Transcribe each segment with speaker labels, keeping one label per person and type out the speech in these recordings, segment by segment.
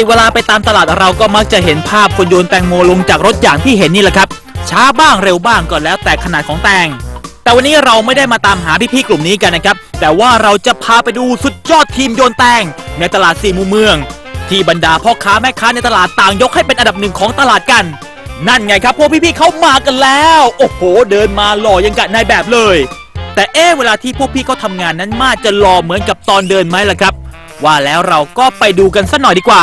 Speaker 1: เวลาไปตามตลาดเราก็มักจะเห็นภาพคนโยนแตงโมลงจากรถอย่างที่เห็นนี่แหละครับช้าบ้างเร็วบ้างก็แล้วแต่ขนาดของแตงแต่วันนี้เราไม่ได้มาตามหาพี่ๆกลุ่มนี้กันนะครับแต่ว่าเราจะพาไปดูสุดยอดทีมโยนแตงในตลาดสี่มุมเมืองที่บรรดาพ่อค้าแม่ค้าในตลาดต่างยกให้เป็นอันดับหนึ่งของตลาดกันนั่นไงครับพวกพี่ๆเขามากันแล้วโอ้โหเดินมาหล่อยังกะนายแบบเลยแต่เวลาที่พวกพี่เขาทำงานนั้นมาจะหล่อเหมือนกับตอนเดินไหมล่ะครับว่าแล้วเราก็ไปดูกันสักหน่อยดีกว่า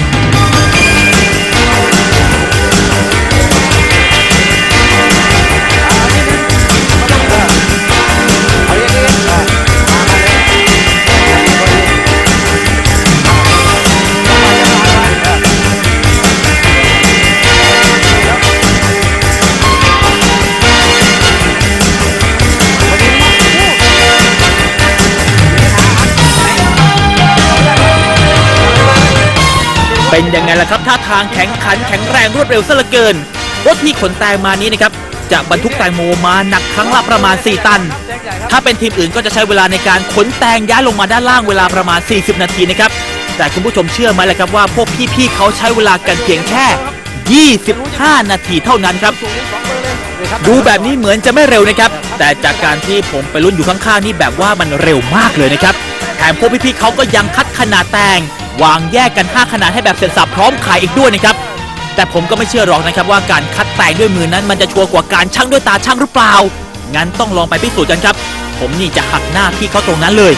Speaker 1: เป็นยังไงล่ะครับท่าทางแข็งขันแข็งแรงรวดเร็วซะเหลือเกินรถที่ขนแตงมานี้นะครับจะบรรทุกแตงโมมาหนักครั้งละประมาณ4ตันถ้าเป็นทีมอื่นก็จะใช้เวลาในการขนแตงย้ายลงมาด้านล่างเวลาประมาณ40นาทีนะครับแต่คุณผู้ชมเชื่อไหมล่ะครับว่าพวกพี่ๆเขาใช้เวลากันเพียงแค่25นาทีเท่านั้นครับดูแบบนี้เหมือนจะไม่เร็วนะครับแต่จากการที่ผมไปลุ้นอยู่ข้างๆนี่แบบว่ามันเร็วมากเลยนะครับแถมพวกพี่ๆเขาก็ยังคัดขนาดแตงวางแยกกัน5ขนาดให้แบบเสร็จสับพร้อมขายอีกด้วยนะครับแต่ผมก็ไม่เชื่อหรอกนะครับว่าการคัดแตงด้วยมือนั้นมันจะชัวร์กว่าการชั่งด้วยตาชั่งหรือเปล่างั้นต้องลองไปพิสูจน์กันครับผมนี่จะหักหน้าพี่เขาตรงนั้นเลย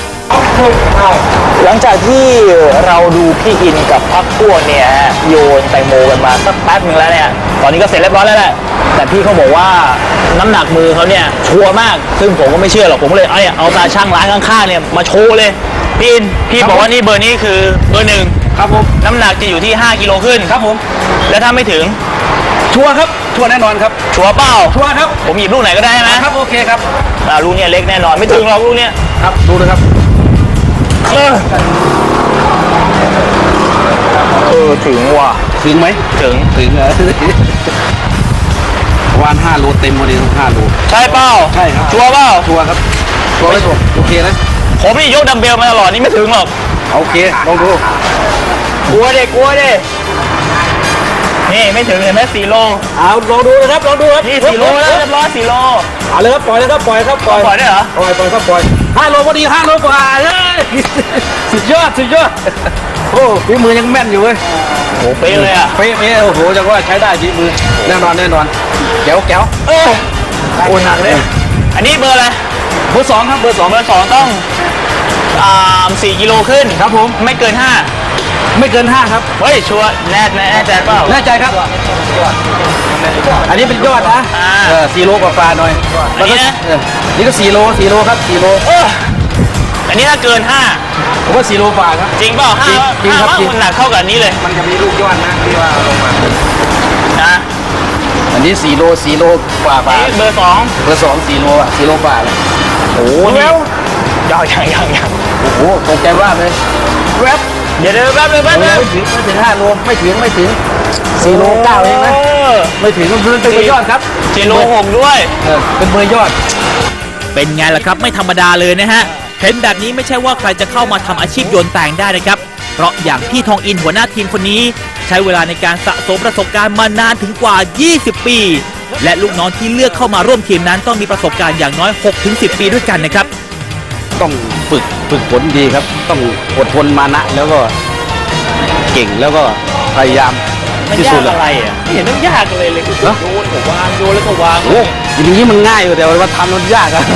Speaker 1: หลังจากที่เราดูพี่อินกับพักพวกเนี่ยโยนแตงโมกันมาสักแป๊บนึงแล้วเนี่ยตอนนี้ก็เสร็จเรียบร้อยแล้วแหละแต่พี่เขาบอกว่าน้ำหนักมือเขาเนี่ยชัวร์มากซึ่งผมก็ไม่เชื่อหรอกผมก็เลยเอาตาช่างร้านข้างๆเนี่ยมาโชว์เลยพี่อินพี่บอกว่านี่เบอร์นี้คือเบอร์1ครับผมน้ำหนักจะอยู่ที่5กิโลขึ้นครับผมแล้วถ้าไม่ถึง
Speaker 2: ชัวร์ครับชัวร์แน่นอนครับ
Speaker 1: ชัวร์เปล่า
Speaker 2: ชัวร์ครับ
Speaker 1: ผมหยิบลูกไหนก็ได้ไหม
Speaker 2: ครับโอเคครับ
Speaker 1: ลูกเนี่ยเล็กแน่นอนไม่ถึงหรอกลูกเนี่ย
Speaker 2: ครับดูนะครับ
Speaker 1: ถึงว่ะ
Speaker 2: ถึงไหม
Speaker 1: ถึง
Speaker 2: วาน5 โลเต็มพอดี5 โล
Speaker 1: ใช่เปล่า
Speaker 2: ใช่ครับ
Speaker 1: ชัวร์เปล่า
Speaker 2: ชัวร์ครับชัวร์ไหมโอเคนะ
Speaker 1: ผมนี่ยกดัมเบลมาตลอดนี่ไม่ถึงหรอก
Speaker 2: โอเคลองดู
Speaker 1: กลัวดินี่ไม่ถึงเห็นไหม4 โล
Speaker 2: เอาลองดูนะครับลองดูครับ
Speaker 1: นี่4 โลแล้วเรียบร้อย4 โล
Speaker 2: เอาเลยครับปล่อยเลยครับปล่อย
Speaker 1: ได้เหรอ
Speaker 2: ปล่อยครับปล่อย5 โลพอดี5 โลกว่าเลยสุดยอดโอ้ฝีมือยังแม่นอยู่เว้ย
Speaker 1: โอ้เป๊ะเลยอ่ะ
Speaker 2: เป๊ะโอ้โหจังว่าใช้ได้ฝีมือแน่นอนแก้ว
Speaker 1: โอ้หนักเลยอันนี้เบอร์อะไร
Speaker 2: เบอร์ 2ครับเบอร์ 2
Speaker 1: ต้อง4 กิโลขึ้น
Speaker 2: ครับผม
Speaker 1: ไม่เกิน5
Speaker 2: ครับ
Speaker 1: เฮ้ยชัวร์แน่ใจเปล่า
Speaker 2: แน่ใจครับอันนี้เป็นยอดนะ4 โลกว่าหน่อยนี่ก็4 โลครับ4 โล
Speaker 1: อันนี้ถ้าเกิน5
Speaker 2: ผมว่า4 โลกว่าครับ
Speaker 1: จริงเปล่า
Speaker 2: จริงครับ
Speaker 1: มันหนักเท่ากับนี้เลย
Speaker 2: มันจะมีลูกยอดนะที่ว่าลงมา
Speaker 1: นะ
Speaker 2: อันนี้4 โลกว่า
Speaker 1: เบอร์
Speaker 2: 2 4 โลอ่ะ4 โลกว่าเลย
Speaker 1: โอ้โหยัง
Speaker 2: โอ้โหตกใจว่าเลย
Speaker 1: แวบเดี๋ยวแป๊บนึง
Speaker 2: ไม่ถึง5 โลไม่ถึง4 โล 9เองนะไม่ถึงมันเป็นเบอร์ยอดครับ
Speaker 1: 4 โล 6ด้วย
Speaker 2: เป็นเบอร์ยอด
Speaker 1: เป็นไงล่ะครับไม่ธรรมดาเลยนะฮะเห็นแบบนี้ไม่ใช่ว่าใครจะเข้ามาทำอาชีพโยนแตงได้นะครับเพราะอย่างพี่ทองอินหัวหน้าทีมคนนี้ใช้เวลาในการสะสมประสบการณ์มานานถึงกว่า20 ปีและลูกน้องที่เลือกเข้ามาร่วมทีมนั้นต้องมีประสบการณ์อย่างน้อย 6-10 ปีด้วยกันนะครับ
Speaker 2: ต้องฝึกฝนดีครับต้องอดทนมานะแล้วก็เก่งแล้วก็พยายาม
Speaker 1: ที่สุดอะไรอ่ะไม่เห็นต้องยากเลยโยนแล้วก็วาง
Speaker 2: โอ้ยอย่างนี้มันง่ายอยู่แต่ว่าทำมันยากอะ